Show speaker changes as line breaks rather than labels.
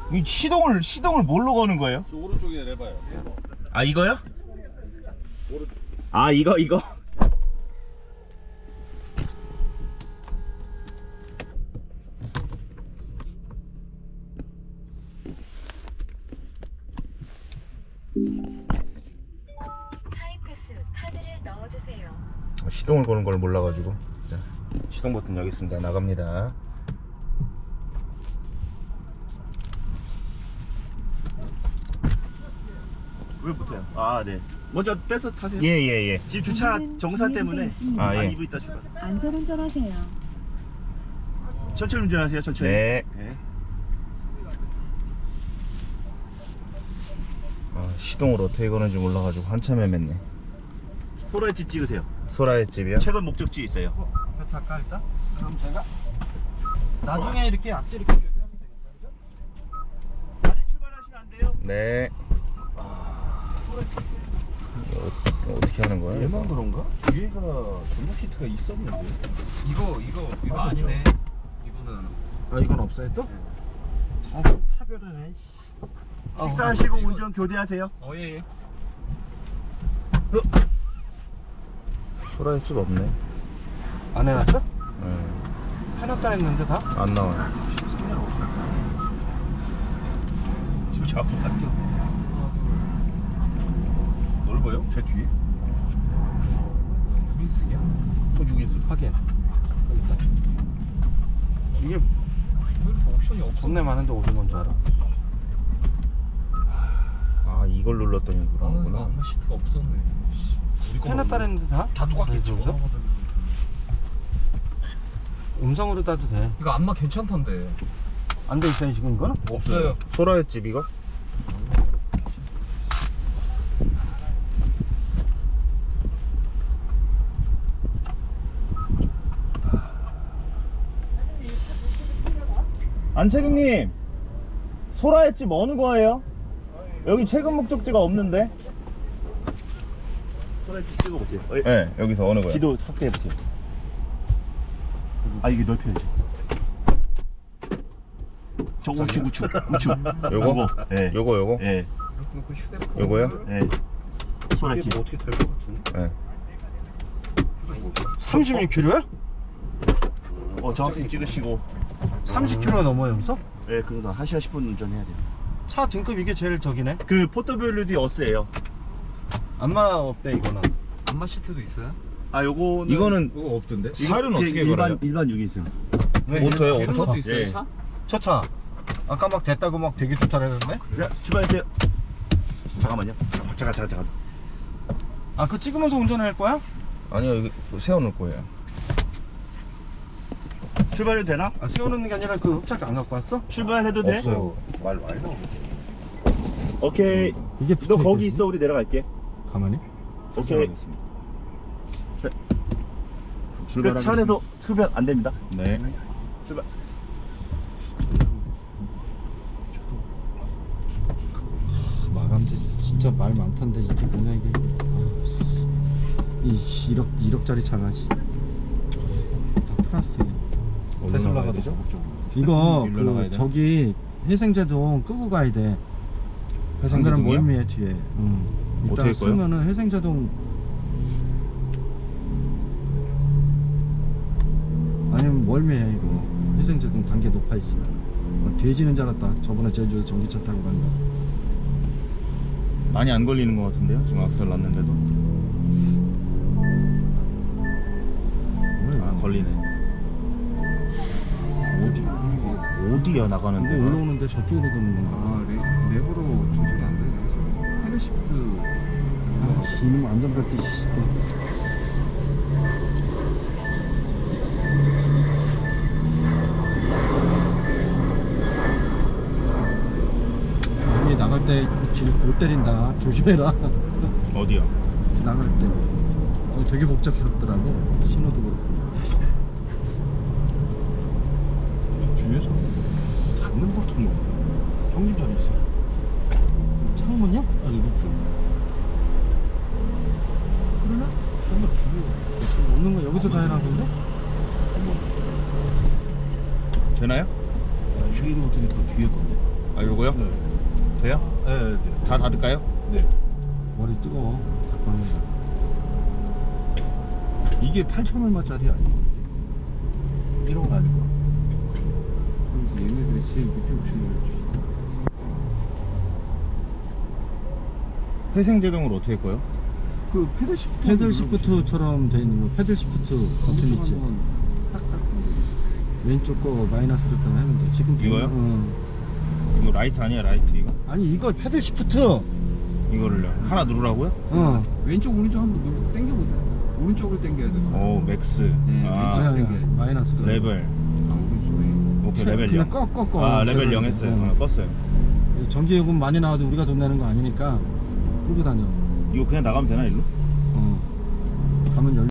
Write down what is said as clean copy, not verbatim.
이 시동을 뭘로 거는 거예요?
저 오른쪽에 레버요.
아 이거요?
오른쪽.
아 이거
하이패스 카드를 넣어주세요.
시동을 거는 걸 몰라가지고. 자, 시동 버튼 여기 있습니다. 나갑니다.
왜 붙어요? 아, 네. 먼저 떼서 타세요.
예예예.
지금 주차 정사 때문에.
아, 예.
2분 있다 출발.
안전운전하세요.
천천히 운전하세요. 천천히.
네.
네.
아, 시동을 어떻게 거는지 몰라가지고 한참 헤맸네.
소라의 집 찍으세요.
소라의 집이요?
최근 목적지 있어요.
배 탈까 일단? 그럼 제가 나중에 이렇게 앞뒤 이렇게 교대하면 되겠다. 그죠?
아직 출발하시면 안 돼요.
네. 어떻게 하는 거야?
얘만 그런가? 뒤에가 전복 시트가 있었는데.
이거 아니네. 이거는
아 이건 없어요 또? 차별하네.
식사하시고 운전 교대하세요.
예.
소라의 집 없네.
안 해놨어?
네.
해놨다 했는데 다?
안 나와요.
13년 없었다. 지금 저 앞으로 갈게요. 넓어요? 제 뒤에? 6인승이야? 저 6인승 하긴. 이게
이거 옵션이 없어.
겁내 많은데 어디 뭔지 알아?
아 이걸 눌렀더니 그러는구나.
아마 시트가 없었네.
해놨다 했는데 다?
다 똑같겠죠.
그래서? 음성으로 따도 돼.
이거 안마 괜찮던데.
안 돼 있어요 지금 이거는?
없어요.
소라의 집 이거? 안채기님, 소라의 집 어느 거예요? 여기 최근 목적지가 없는데?
소라의 집 찍어보세요.
네, 여기서 어느 거예요?
지도 확대해보세요. 아, 이게 넓혀야죠. 저 우측.
요거?
예.
요거?
예.
그 휴대폰.
요거요?
예. 소라의 집.
어떻게 될 것 같은데?
네.
36km야?
정확히 찍으시고.
30km가 넘어 여기서?
예, 그러다 1시간 10분 운전해야 돼요.
차 등급 이게 제일 저기네.
그 포터블루디 어스예요.
안마 없대 이거는.
안마 시트도 있어요?
아, 요거는
이거는
그거 없던데?
살은 어떻게 걸어요?
일반 6인승.
오토예요,
이런
오토?
것도 있어요,
예.
차?
저 차. 아까 막 됐다고 막 되게 좋다 그랬는데?
자, 출발하세요. 잠깐만요. 잠깐.
아 그거 찍으면서 운전할 거야?
아니요, 여기 세워놓을 거예요.
출발해도 되나?
아 세워놓는 게 아니라 그 흡착 안 갖고 왔어?
출발해도 돼?
없어요.
말 많이 나오네.
오케이.
이게
너 거기 있어. 우리 내려갈게.
가만히?
오케이. 그 차 안에서 흡연 안 됩니다.
네.
출발.
마감재 진짜 말 많던데 이게 뭐냐 이게. 이 1억짜리 차가 다 플라스틱이야.
테슬라가 되죠?
이거
일로 나가야
그
돼?
저기 회생제동 끄고 가야 돼. 안 그러면
회생제동이요?
멀미해 뒤에. 이따
어떻게 꺼요?
쓰면은 회생제동 아니면 멀미해 이거. 회생제동 단계 높아 있으면. 돼지는 줄 알았다. 저번에 제주도 전기차 타고 간 거.
많이 안 걸리는 것 같은데요? 지금 악셀 났는데도. 아, 걸리네. 어디야 나가는데?
이거 올라오는데 저쪽으로 도는 건가?
아, 랩으로 조절이 안 되네. 헤드 시프트.
아, 이놈 안전벨트 씨. 여기 나갈 때 길 못 때린다. 조심해라.
어디야?
나갈 때. 되게 복잡스럽더라고. 신호도 그렇고.
뒤에서 닫는 버튼 뭐?
형님 자리 있어. 창문이야? 아니 루프. 그러나? 설마 뒤에 없는 거 여기서 다 해놨는데?
되나요?
쉐이드 버튼이 또 뒤에 건데.
아 요거요?
네.
돼요?
네, 네.
다 닫을까요?
네.
머리 뜨거워. 자꾸 하는 거.
이게 8,000얼마짜리 아니에요? 이런 거 아니고.
그래서 얘네들이 제일 밑에 옵션을 주시다.
회생 제동을 어떻게 할 거예요?
그 패들 시프트.
패들 시프트처럼 돼 있는 거. 패들 시프트 버튼 있지.
딱딱.
왼쪽 거 마이너스로 하면 돼. 지금
이거요?
응.
이거 라이트 아니야 라이트 이거?
아니 이거 패들 시프트.
이거를요 하나 누르라고요?
어.
왼쪽 오른쪽 한번 누르고 당겨보세요. 오른쪽을 당겨야 돼.
오 맥스
네,
아
아니,
땡겨야지.
마이너스로.
레벨
아 오른쪽에.
오케이 레벨
그냥
0
꺼.
아 레벨 0 했어요 껐어요
전기 요금 많이 나와도 우리가 돈 내는 거 아니니까 끄고 다녀.
이거 그냥 나가면 되나 일로?
어. 가면 열.